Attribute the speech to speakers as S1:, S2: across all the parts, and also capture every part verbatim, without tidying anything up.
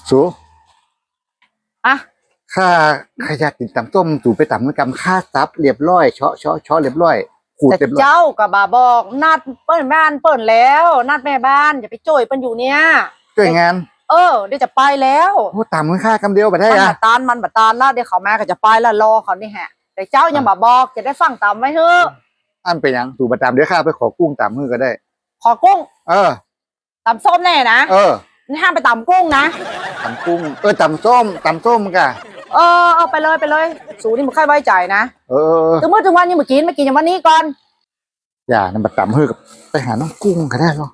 S1: สู
S2: อะ
S1: ข้าข้าอยากกินตำส้มสูไปตำน้ำกำข้าซับเรียบร้อยเชาะเชาะเชาะเรียบร้อยขูด
S2: แต่
S1: เรียบร้อย
S2: เจ้ากับบาบอกนัดเปิ้นบ้านเปิ้นแล้วนัดแม่บ้านอย่าไปโจยเปิ้นอยู่เนี่ย
S1: ช่วยงาน
S2: เออเดี๋ยวจะไปแล้ว
S1: โอ้ตำข้ากำเดียวไปได้
S2: มัน
S1: อะ
S2: บัดตานมันบัดตานแล้วเดี๋ยวเขามาก็จะไปแล้วรอเขานี่แฮะแต่เจ้ายังบาบอกจะได้ฟังตามไว้เถอะ
S1: อันเป็นยังสูประตำเดี๋ยวข้าไปขอกุ้งตำมือก็ได้
S2: ขอกุ้ง
S1: เออ
S2: ตำส้มแน่นะ
S1: เออ
S2: นี่ห้ามไปตำกุ้งนะ
S1: ตำกุ้งเออตำส้มตำส้มกะ
S2: เออเอาไปเลยไปเลยสูนี่มึงค่อยไว้ใจนะ
S1: เออ
S2: ถึงเมื่อถึงวันนี้เมื่อกินไม่กินอย่างวันนี้ก่อน
S1: อย่านั่นบัดตำมือกับไปหาน้องกุ้งก็ได้หรอ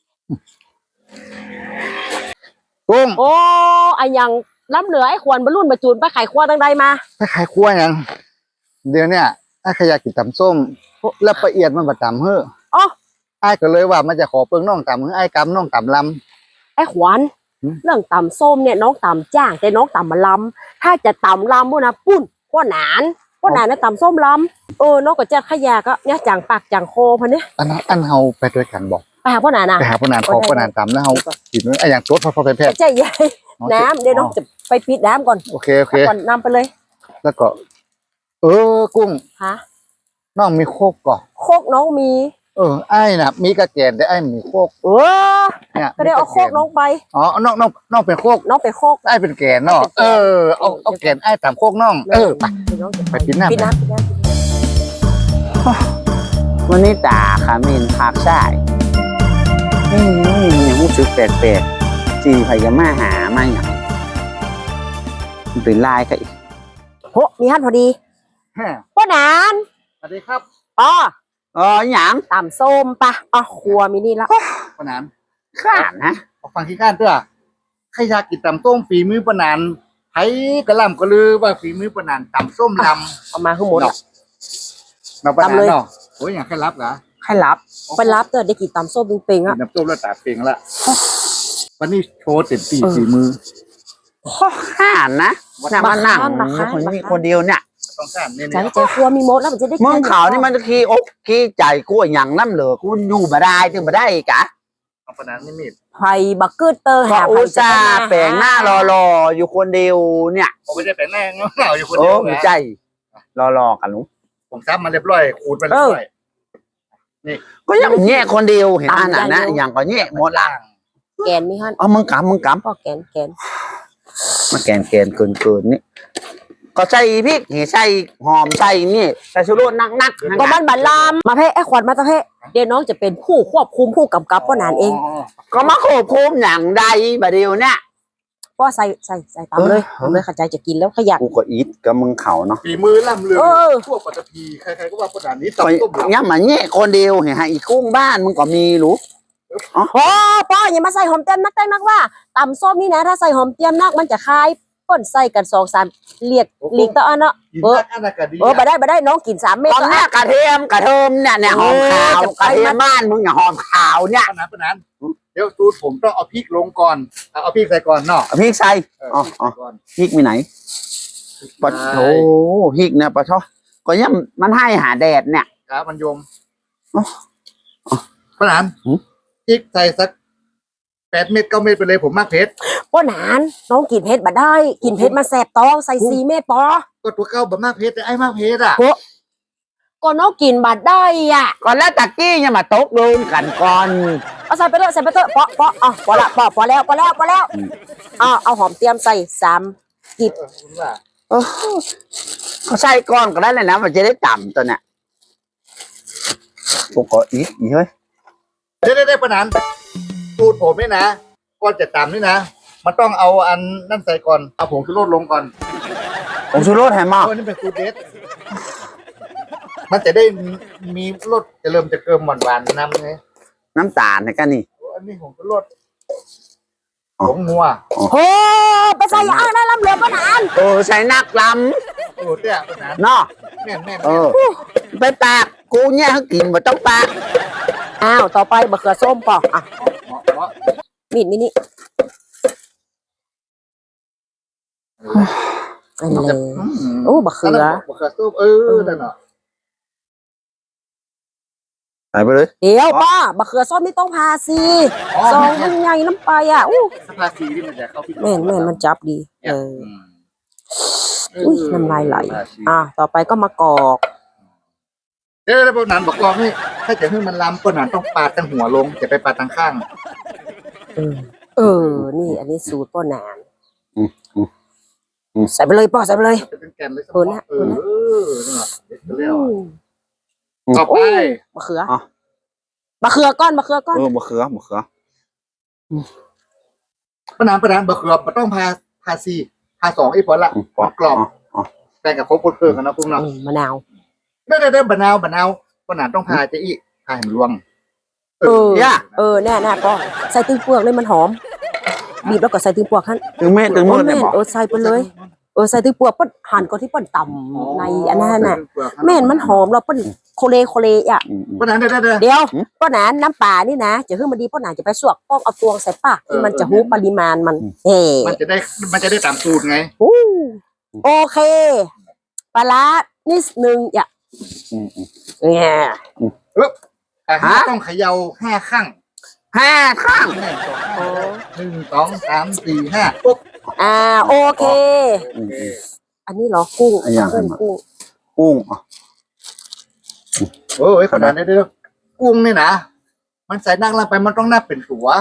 S1: กุ้ง
S3: โอ้ไอยังล้ำเหลือไอ้ควรบรรลุนบรรจูนไปไขครัวตั้งใดมา
S1: ไปขายครัวยังเดี๋ยวเนี้ยไอ้ขยากกินตำส้มแล้วละเอียดมันบัดตำเฮ้อ
S3: อ๋อ
S1: ไอ้ก็เลยว่ามันจะขอเปิงน้องตำเฮ้อไอ้กำน้องตำล
S3: ไอ้ขวัญ
S1: หืม
S3: เรื่องตำส้มเนี่ยน้องตำจ้างแต่น้องตำมาลำถ้าจะตำลำพวกนะปุ้นพวกหนานพวกหนานนะตำส้มลำเออน้องก็เจ็ดขยะก็เนี่ยจางปากจางโคพันเนี่ย
S1: ำอันนั้นอันเฮาไปด้วยกันบอก
S3: ไปหาพวกหนานนะ
S1: ไปหาพนานพอพนานตำแล้วเฮากินไอ้อย่างตัวพอพอไปแพทย์
S3: ใจใหญ่น้ำเดี๋ยวน้องจะไปปิดน้ำก่อน
S1: โอเคโอเค
S3: ก่อนนำไปเลย
S1: แล้วก็ เออกุ้ง
S3: ฮะ
S1: น้องมีโคกก่อน
S3: โคกน้องมี
S1: เออไอ้น่ะ มีกระแกนแต่ไอ้มีโคก
S3: เออ
S1: เนี่ย
S3: ก็ได้เอาโคกน้องไป
S1: อ๋อน้องน้องน้องเป็นโคก
S3: น้องไปโคก
S1: ไอ้เป็นแกนเนาะเออเอาเอาแกนไอ้ตามโคกน้องเออไป
S3: เดี๋ยวน้องจะ
S1: ไปปิดน้ำ
S3: ปิดน้ำปิดน้ำปิดน้ำ
S4: วันนี้ตาขามินพักใช่อืมยังรู้สึกแปลกๆจีพยามาหามาอย่างมันเป็นลายก็อีก
S3: โหมีฮันพอดี
S1: ฮะ
S3: พวกหนาน
S1: สวัสดีครับ
S3: อ๋อ
S4: อ๋ออย่าง
S3: ตำส้มปะอ๋อครัวมินี่ละ
S1: ปนาน
S4: ข้านนะ
S1: เอาฟังขี้ข้านเถอะใครอยากกินตำส้มฝีมือปนานไผกระหล่ำกระลือว่าฝีมือปนานตำส้มลำ
S3: เอามาข้างบน
S1: เนาะเราปนาน
S3: ตำเลย
S1: เนาะโอ้ยอย่างใครรับเหรอ
S4: ใครรับ
S3: ไปรับเตอได้กี่ตำส้มเป่งๆ
S1: กิ
S3: อ่ะ
S1: นน้ำส้มแล้วตาเปลียงละวันนี้โชว์เต็มที่
S3: เออ
S1: ฝีมือ
S4: ข้านนะน่ะมานั่ง
S3: มาข้าน
S4: คน
S3: มา
S4: นี้
S3: ข้าน
S4: คนเดียวเนี่ย
S1: ต้องการเนี่ย
S3: ใจ
S1: เนี่ย
S3: ใจครัวมีมดแล้วมันจะได้
S4: มึงเขานี่มันจะขี้อกขี้ใจกูอย่างน้ำเหลือกูอยู่มาได้ถึงมาได้กะ
S1: เอาปนานนี่มีด
S3: ไผ่บักเกอร์เตอร์
S4: ก็
S3: หา
S4: อุ
S3: ไผ่
S4: ตส่าห์แปลงหน้ารอๆอยู่คนเดียวเนี่ย
S1: ผมไม่ได้แปลงแน่งเหงาอยู่คน
S4: โอ้
S1: เดียว
S4: หัว
S1: นะ
S4: ใจรอๆกันหนู
S1: ผมซับมาเรียบร้อยขูดไปเรียบร้อย
S4: ก็ยังแง่คนเดียวเห็นอันนั้นนะอย่างก็แง่หมดละ
S3: แกนมีฮัน
S4: เอามึงกำมึงกำ
S3: ก็แกนแกน
S4: มาแกนแกนเกินเกินนี่ก็ใส่พริกเห็ใส่หอมใส่นี่ใส่ชูรสนักนัก
S3: ก็มันบัลลามมาเพ่ไอ้ขวัญมาตะเพ่เดี๋ยวน้องจะเป็นผู้ควบคุมผู้กำกับพ่อหนานเอง
S4: ก็มาควบคุมอย่างใดบาเดียวเนี่ย
S3: ก็ใส่ใส่ใส่ตามเลย
S4: เออ
S3: ทำเลยเข้าใจจะกินแล้วขยัน
S4: กูก็อีทกับมึงเขาเนาะ
S1: ฝีมือล่ำเลือ
S3: เออ
S1: ทั่วปัตตภีใครๆก็ว่าปนานนี้
S4: ก็
S1: ตำส้มลำ
S4: ยังมาแง่คนเดียวเห็นฮะอีกกุ้งบ้านมึงก็มีรู้
S3: โอ้ป้ออย่ามาใส่หอมเต็มนักได้นักว่าตำส้มนี่นะถ้าใส่หอมเต็มนักมันจะคายเปิ้นใส่กันสองสามเลียดลีกตะอันเนาะ
S1: กิน
S3: เออ
S1: นักอันนั้นก็ดี
S3: เออไปได้ไปได้น้องกินสามเม็ด
S4: ตอน
S3: ก็
S4: หน้า
S3: อ่ะ
S4: กระเทียมกระเทียมเนี่ยเนี่ยหอมขาว
S3: เออจะ
S4: กระเทียมบ้านมึงอย่าหอมขาวเนี่ย
S1: ปนานปนานเดี๋ยวตูดผมต้องเอาพริกลงก่อนเอาเอาพริกใส่ก่อนเนาะ
S4: เอาพริกใส่
S1: เออ
S4: อ๋อ
S1: พริก
S4: อ๋อ
S1: ใส่ก่อน
S4: พริกมีไหนปะโถพริกเนี่ยปะชอก็ยังมันให้หาแดดเนี่ย
S1: ครับมันยม
S4: อ๋ออ๋อ
S1: ปนาน
S4: หืม
S1: พริกใส่สักแปดเม็ดเก้าเม็ดไปเลยผมมากเผ็ด
S3: ป้อหนานน้องกินเผ็ดบ่ได้ กินเผ็ดมาแสบตองใส่สี่เม็ดปอ
S1: ก็ตัวเก้าแบบมากเผ็ดแต่ไอ้มากเผ็ดอ่ะ
S3: ก็น้องกินบัดได้อ่ะ
S4: ก่อนแล้วตะกี้ยังมาตกลงกันก่อน
S3: เอาใส่ไปเลยใส่ไปเถอะปอปออ๋อพอละปอพอแล้วพอแล้วพอแล้วอ๋อเอาหอมเตรียมใส่สาม
S1: เออคุณว่า
S4: เออเขาใส่ก่อนก็ได้เลยนะมันจะได้ต่ำตัวเนี่ยกูก็อีกอีกเฮ้ย
S1: เดี๋ยวได้ปนานตูดผมนี่นะก่อนจะตำนี่นะ มันต้องเอาอันนั่นใส่ก่อนเอาผงชูรสลงก่อน
S4: ผมชูรสแฮมมาก
S1: เพราะนี่เป็นสูตรเด็ดมันจะได้มีรสจะเริ่มจะเกิมหวานหวานๆน้ำไง
S4: น้ำตาลเนี่ยกันนี่
S1: อันนี้ผงชูรสผงนัว
S3: โอ้ไปใส่ยาได้ลำเหลือป้อหนาน
S4: เออใส่นักล
S1: โอ้เตี้ยปนาน
S4: ำเนาะ
S1: แม่นแม่น
S4: เออ ไปปากกูเนี่ยเขากินมาต้องปาก
S3: อ้าวต่อไปบะเขือส้มปออ่ะ
S1: เหมาะเหมาะ
S3: มีดนี่นี่อัน
S1: มัน
S3: เล
S1: จะ
S3: ย
S1: ม
S3: โอ้บะเขือ
S1: นนั้นบะเขือส้มเออนั่นเนาะ
S4: ใส่ไปเลย
S3: เดี๋ยวป้ามะเขือส้มนี่ต้องพาสิซองมันใหญ่น้ำไปอ่ะอู้
S1: สภาษีที่มันจะเข้าพี่
S3: แม่นแม่นมันจับดีเออ
S1: อืม
S3: อุ้ยน้ำลายไหลอ่ะต่อไปก็มากอก
S1: เดี๋ยวแล้วพวกนั้นบอกว่าให้ถ้าจะให้มันล้ำพวกนั้นต้องปาดตั้งหัวลงอย่าไปปาดตั้งข้าง
S3: เออเออนี่อันนี้สูตรป้อนาน
S4: อืมอืมอืม
S3: ใส่ไปเลยป้อใส่ไปเลย
S1: จะเป็นแกนเลย
S3: เออนะ
S1: เออนั่นแหละเด็กก็เรียก
S3: อื
S1: ว่า
S3: ม
S1: ต่อไป
S3: มะเขือ
S4: อ่ะ
S3: มะเขือก้อนมะเขือก้อน
S4: เออมะเขือมะเขือ
S1: พนานพนานบะเขือมันต้องพาพาซีพาสองไอ้พอละ
S4: อืม
S1: มันกรอบ
S4: อ๋อ
S1: แบ่งกับครบคนเพิ่มกันนะพวกเนาะ
S3: อืมมะนาว
S1: ได้ได้ได้บะนาวบะนาวพนานต้องพาจะอีกพาให้มันรวม
S3: เออเออแน่แน่ป้อใส่ตึงเปลือกเลยมันหอมบีบแล้วก็ใส่ตึงเปลือกขั้น
S4: ถึงเม็ดถึงมือเนี่ย
S3: แม่น
S4: บอก
S3: เออใส่ไปเลยเออใส่ตึงเปลือกป้นหั่นก็ที่ป้นต่ำในอันนั้นน่ะแม่นมันหอมเราป้นโคเลโคเลอ่ะ
S4: อืมอืม
S1: พนานได้ได้ได้
S3: เดี๋ยว
S4: หืม
S3: ป้าหนานน้ำปลานี่นะจะขึ้นมาดีป้าหนานจะไปสวกป้องเอาตวงใส่ปาก
S1: เออ
S3: ที่มันจะ
S1: เออ
S3: หูปริมาณมันเฮ้
S1: มันจะได้มันจะได้ตามสูตรไง
S3: อู้โอเคปลาร้านิดนึงอย่า
S4: อืมอืม
S3: เนี่ย
S1: แต่
S4: ฮะ
S1: ต้องเขย่าห้าครั้ง
S4: ห้าข้าง
S1: หนึ่งสองสามสี่ห้าปุ๊บ
S3: อ่าโอเค
S4: อืมอืม
S3: อันนี้เหรอกุ้ง
S4: อันอย่าง
S3: กุ้ง
S4: ขึ้นมา
S3: กุ้ง
S4: กุ้งอ่ะ
S1: โอ้ยขนาดนี้เด้อกุ้งนี่นะมันใส่นั่งลงไปมันต้องนับเป็นตัว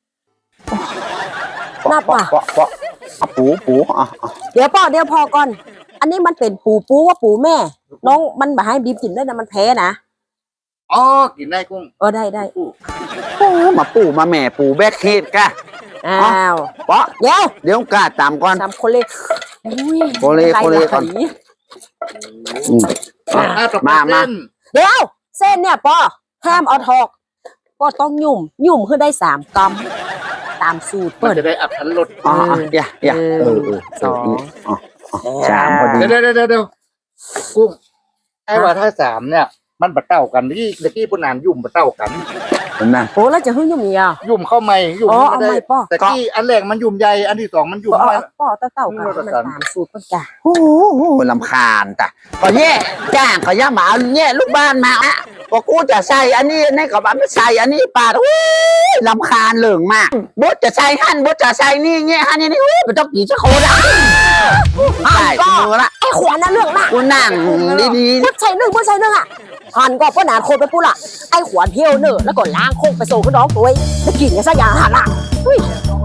S3: นับป่ะ
S4: เปาะเปาะเอาปูปูอ่ะอ่ะ
S3: เดี๋ยวป้อเดี๋ยวพอก่อน อันนี้มันเป็นปูปูว่าปูแม่ น้องมันแบบให้บีบกินได้นะมันแพ้นะ
S1: อ๋อกินได้กุ้ง
S3: เออได้ได้
S4: ปูมาปูมาแม่ปูแบกเฮดกะ
S3: อ้าว
S4: เปาะ
S3: เดี๋ยว
S4: เดี๋ยวกาตามก่อน
S3: ทำโคเลอุ้ย
S4: โคเลโคเลก่อน
S3: ไหล
S4: อืม
S1: อ่ะต่อไป
S4: มามา
S1: เส้น
S3: เดี๋ยว เส้นเนี่ยป้อห้ามเอาทอกก็ต้องหยุ่มหยุ่มขึ้นได้สามกรัมตามสูตร
S1: มัน
S3: เปิด
S1: จะได้อัพทันรส
S4: อ๋ออ่ะอย่าอย่า
S3: เอ
S4: เอ
S3: อ
S4: อเออ
S3: สอง
S4: อ๋ออ๋อสามพอดี
S1: เดี๋ยวเดี๋ยวเดี๋ยวเดี๋ยวกุ้งไอ้ว่าถ้าสามเนี่ย มันบะเต้ากันที่เด็กที่ปุ่นนานยุ่มบะเต้ากัน
S4: เห็นไหม
S3: โอ้แล้วจะหึ่งหยุ่มอีกอ่ะ
S1: ยุ่มเข้าไม่ยุ่ม
S3: อ๋อ
S1: ไม่
S3: เอา
S1: ได้
S3: ไม่ป้อ
S1: แต่ที่อันแรกมันยุ่มใหญ่อันที่สองมันยุ่ม
S3: ป้อ
S1: ไม่
S3: ป้อเต้าเต้ากัน
S1: อืม
S3: มันตามสูตรเปิดจ้ะ
S4: โอ้โหลำคาญจ้ะก็แย่จ้างก็ย่าหมาเอาแย่ลูกบ้านมาอ่ะก็กูจะใส่อันนี้อันนี้ก็บ้าไม่ใส่อันนี้ปาดโอ้ยลำคาญเหลืองมากบดจะใส่หั่นบดจะใส่นี่แง่หั่นนี่นี่โอ้ยมันต้องกี่ชั่วโคตรอ่ะใส่มือละ
S3: ไอ้ขวานน่ะเรื่องมาก
S4: กูนั่งดี
S3: พุทชัยหนึ่งพุทชัยหนึ่งอ่ะหันก็ป้าหนานโคตรไปปุ๊ละไอ้ขวานเที่ยวเนอะแล้วก็ล้างโคกไปส่งกับน้องตัวเองจะกินกันซะอย่างหันอ่ะอุ้ย
S1: อ๋อ